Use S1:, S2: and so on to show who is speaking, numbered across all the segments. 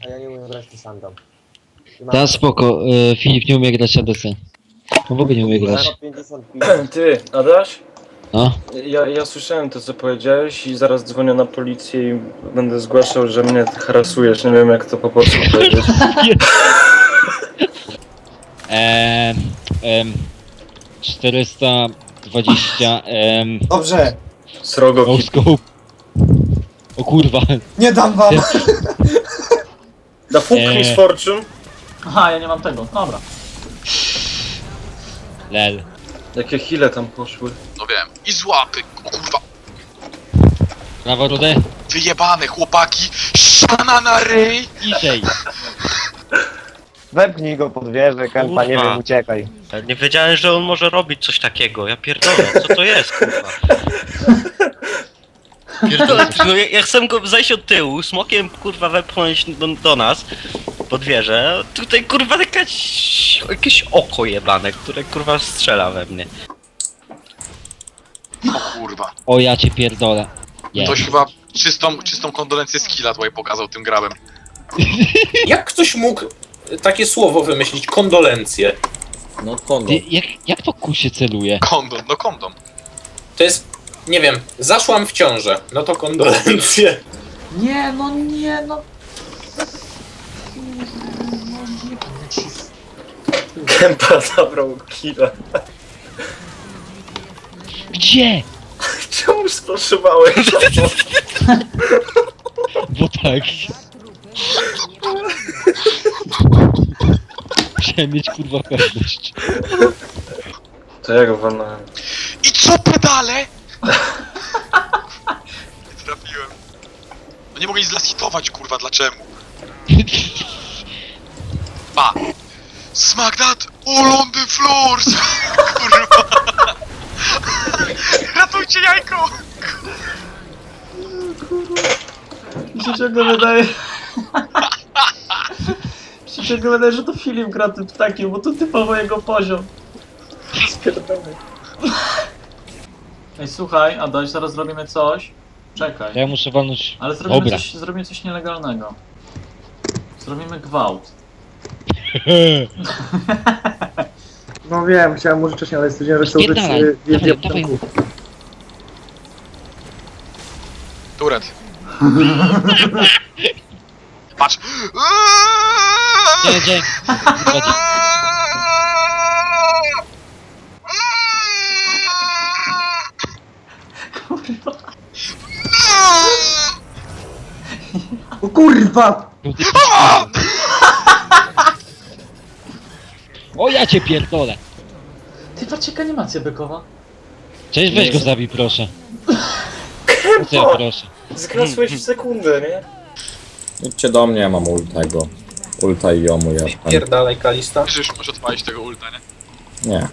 S1: A ja nie umiem grać Lissandą.
S2: Ta spoko, Filip nie umie grać ADC. No w ogóle nie umie grać.
S1: 50
S3: Ty, Adaś?
S2: No.
S3: Ja słyszałem to, co powiedziałeś i zaraz dzwonię na policję i będę zgłaszał, że mnie ty harasujesz. Nie wiem, jak to po polsku powiedzieć.
S2: Ehm, ehm, 420,
S4: Dobrze,
S3: Srogo
S2: no
S3: kit.
S2: scope. O kurwa.
S4: nie dam wam!
S3: Da fuck Miss Fortune?
S5: Aha, ja nie mam tego. Dobra.
S2: Lel.
S3: Jakie heale tam poszły.
S6: No wiem. I złapy, o kurwa.
S2: Prawo rudę?
S6: Wyjebane chłopaki. Siana na ryj.
S2: Ciszej.
S1: Wepchnij go pod wieżę, Kempa, nie
S7: Kurwa.
S1: wiem, uciekaj.
S7: Ja nie wiedziałem, że on może robić coś takiego. Ja pierdolę, co to jest, kurwa? Pierdolę, no ja chcę go zejść od tyłu, smokiem kurwa wepchnąć do nas pod wieżę. Tutaj kurwa jakieś oko jebane, które kurwa strzela we mnie.
S6: O kurwa.
S2: O ja cię pierdolę. Nie.
S6: Ktoś chyba czystą kondolencję skilla tutaj pokazał tym grabem.
S8: Jak ktoś mógł takie słowo wymyślić? Kondolencje.
S4: No kondo.
S2: Ty, jak to ku się celuje?
S6: Kondom, no kondom.
S8: To jest, nie wiem, zaszłam w ciążę. No to kondolencje.
S5: Nie, no nie, no.
S3: Kempa zabrał killa.
S2: Gdzie?
S3: Czemu sproszywałeś?
S2: Bo tak. Musiałem mieć kurwa pewność.
S3: To ja go walnąłem.
S6: I co pedale? Nie trafiłem. No nie mogę nic zlashitować kurwa, dlaczego? Pa! Smack that all on the floors! Kurwa! Ratujcie jajko!
S5: Mi się ciągle wydaje... Mi się ciągle wydaje, że to Filip gra tym ptakiem, bo to typowo jego poziom.
S3: Spierdolę.
S5: Ej, słuchaj, Adaś, zaraz zrobimy coś. Czekaj.
S2: Ja muszę walnąć.
S5: Ale
S2: Dobra.
S5: zrobimy coś nielegalnego. Zrobimy gwałt.
S3: No wiem, chciałem może wcześniej, ale stwierdziłem, że chcę użyć
S2: Spierdalaj. Dawaj, dawaj.
S6: Turet. Patrz!
S2: Gdzie? Chodzi.
S3: O kurwa!
S2: O ja cię pierdolę.
S5: Ty, patrz jaka animacja bykowa.
S2: Cześć, weź go zabij proszę. Chcę, proszę.
S3: Zgasłeś w sekundę, nie?
S4: Idźcie do mnie, ja mam ultego. Ulta i jomu ja.
S8: Pierdalej, Kalista.
S6: Wiesz, już możesz odpalić tego ulta, nie?
S4: Nie.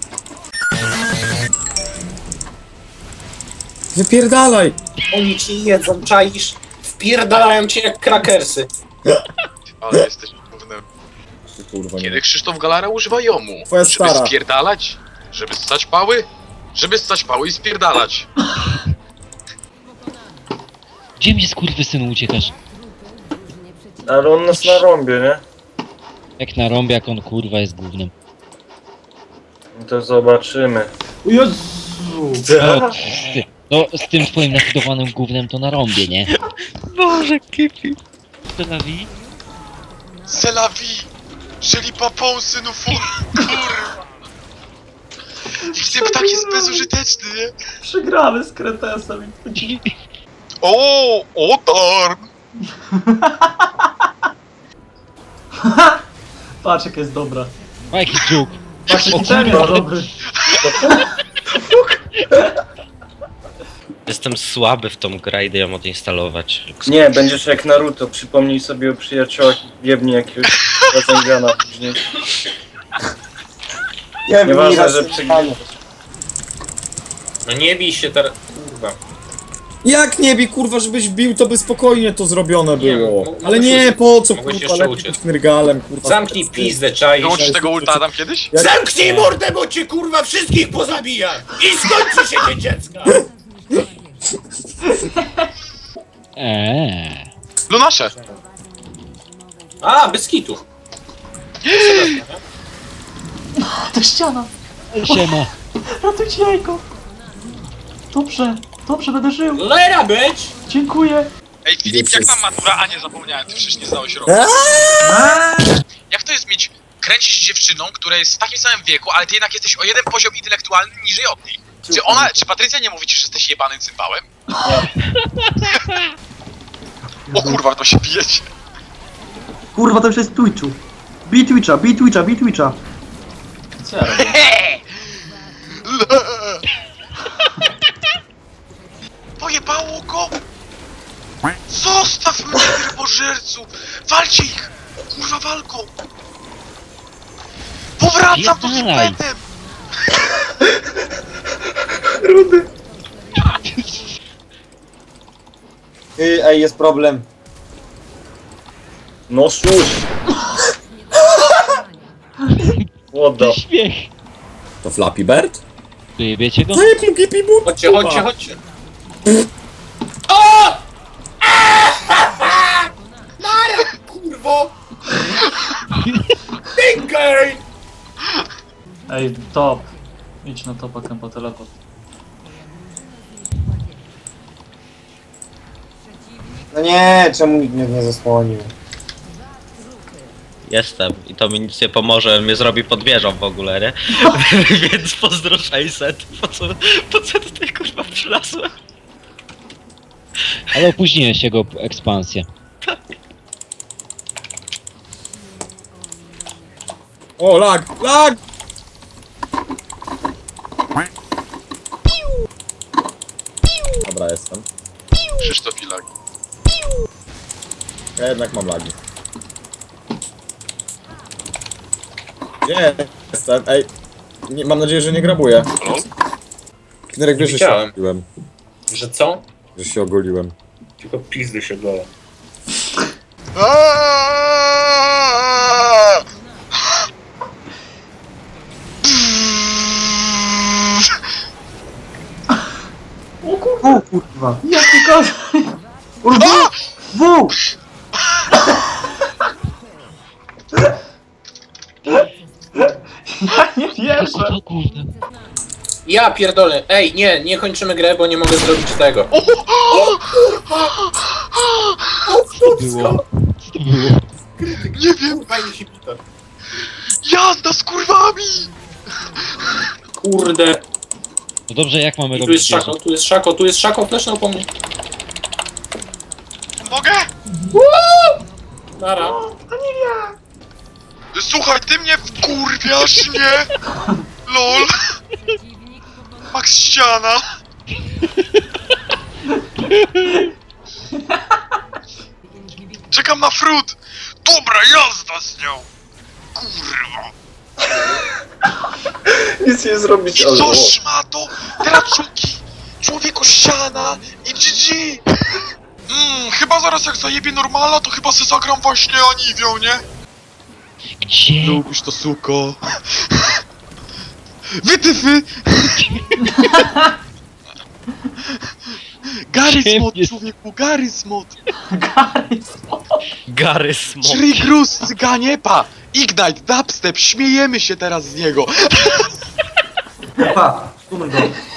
S4: Wypierdalaj!
S8: Oni ci jedzą, czaisz? Wpierdalają cię jak krakersy.
S6: Ale jesteś głównym.
S4: Kurwa, nie.
S6: Kiedy Krzysztof Galara używa jomu?
S4: Twoja
S6: Żeby
S4: stara.
S6: spierdalać? Żeby ssać pały? Żeby ssać pały i spierdalać.
S2: Gdzie mnie skurwysynu uciekasz?
S3: Ale on nas narąbie, nie?
S2: Jak na rąbie, jak on kurwa jest głównym.
S3: No to zobaczymy.
S5: O Jezu!
S2: No, ty, no z tym twoim nafidowanym gównem to na rąbie, nie?
S7: Boże, kipi.
S2: To la vie?
S6: C'est la vie! Jeżeli papon synu fur, kurwa! Jak ten ptak jest bezużyteczny, nie?
S5: Przegramy z Kretesem.
S6: O, Otar!
S5: Patrz jaka jest dobra.
S2: O jaki dżuk.
S5: Patrz jaki
S2: kurwa.
S5: czempion dobry.
S7: Jestem słaby w tą grę, idę ją odinstalować.
S3: Nie, będziesz jak Naruto. Przypomnij sobie o przyjaciołach i jebnij jakiegoś Razengana później. Nieważne, że przegramy.
S8: No nie bij się teraz. Kurwa.
S4: Jak nie bi, kurwa, żebyś bił, to by spokojnie to zrobione
S8: Nie,
S4: było.
S8: mogłeś
S4: Ale nie,
S8: uciec.
S4: po co,
S8: Mogłeś
S4: kurwa,
S8: jeszcze
S4: lepiej
S8: uciec.
S4: być knyrgalem, kurwa.
S8: Zamknij pizdę, czaisz?
S6: Wyłączysz tego ulta Adam kiedyś?
S4: Jak-
S8: Zamknij mordę, bo cię kurwa wszystkich pozabija! I skończy się dzień dziecka!
S2: Eee.
S6: Lunasze!
S8: A, bez kitu.
S5: To ściana!
S2: Siema.
S5: Ratujcie jajko! Dobrze, dobrze, będę żył!
S8: Lera być!
S5: Dziękuję!
S6: Ej, Filip, jak tam matura? A nie, zapomniałem, ty przecież nie znałeś roku. Jak to jest mieć, kręcić z dziewczyną, która jest w takim samym wieku, ale ty jednak jesteś o jeden poziom intelektualny niżej od niej? Czy Patrycja nie mówi ci, że jesteś jebanym cymbałem? O kurwa, to się bijecie.
S5: Kurwa, to już jest Twitchu. Bij Twitcha, bij Twitcha, bij Twitcha. Co ja robię?
S6: Pojebało go! Zostaw mnie, rybożercu! Walcie ich! Kurwa, walką! Powracam tu z
S2: Pierdalaj.
S6: impetem!
S1: Ej, jest problem.
S3: No słuchaj. Łodo.
S2: Śmiech.
S9: To Flappy Bird?
S2: Wiecie go?
S8: Chodźcie, chodźcie, chodźcie. O! Nara, kurwo! Pinkej!
S5: Ej, top. Idź na topa, po teleport.
S1: No nie, czemu nikt mnie nie zasłonił?
S7: Jestem i to mi nic nie pomoże, mnie zrobi pod wieżą w ogóle, nie? Więc pozdro 600. Po co tutaj kurwa przylazłem?
S2: Ale opóźniłeś jego ekspansję.
S9: O, lag! Lag! Dobra, jestem.
S6: Krzysztof Ilak.
S9: Ja jednak mam lagi. Gdzie jestem? Ej! Nie, mam nadzieję, że nie grabuję. Knerek, wiesz, że się
S8: Widziałem.
S9: ogoliłem.
S8: Że co?
S9: Że się ogoliłem.
S8: Tylko pizdy się goła.
S6: Aaaa!
S5: O kurwa! Jaki kot! W! Ja nie wierzę!
S2: O kurde.
S8: Ja pierdolę. Ej, nie kończymy grę, bo nie mogę zrobić tego.
S2: Co to było? Co to było?
S6: Nie wiem,
S8: Fajnie się pita.
S6: jazda z kurwami!
S8: Kurde.
S2: No dobrze, jak mamy
S8: Tu
S2: robić
S8: jest szako, tu jest szako, tu jest szako, flesznął po mnie.
S6: Mogę?
S8: Nara.
S6: Słuchaj, ty mnie wkurwiasz, nie? LOL. Max ściana. Czekam na frut. Dobra, jazda z nią. Kurwa.
S3: Nic nie zrobić,
S6: I
S3: ale...
S6: co szmato? Dracuki. Człowieku ściana. I GG. Chyba zaraz jak zajebie normala, to chyba se zagram właśnie Aniwią, nie?
S2: Gdzie?
S6: Lubisz to, suko. Wytyfy! Gary
S2: Ciemnie.
S6: Smot, człowieku, Gary Smot!
S7: Gary Smok.
S6: Shrigrus, cyganie, pa! Ignite, dubstep, śmiejemy się teraz z niego!
S5: Pa, stummy go.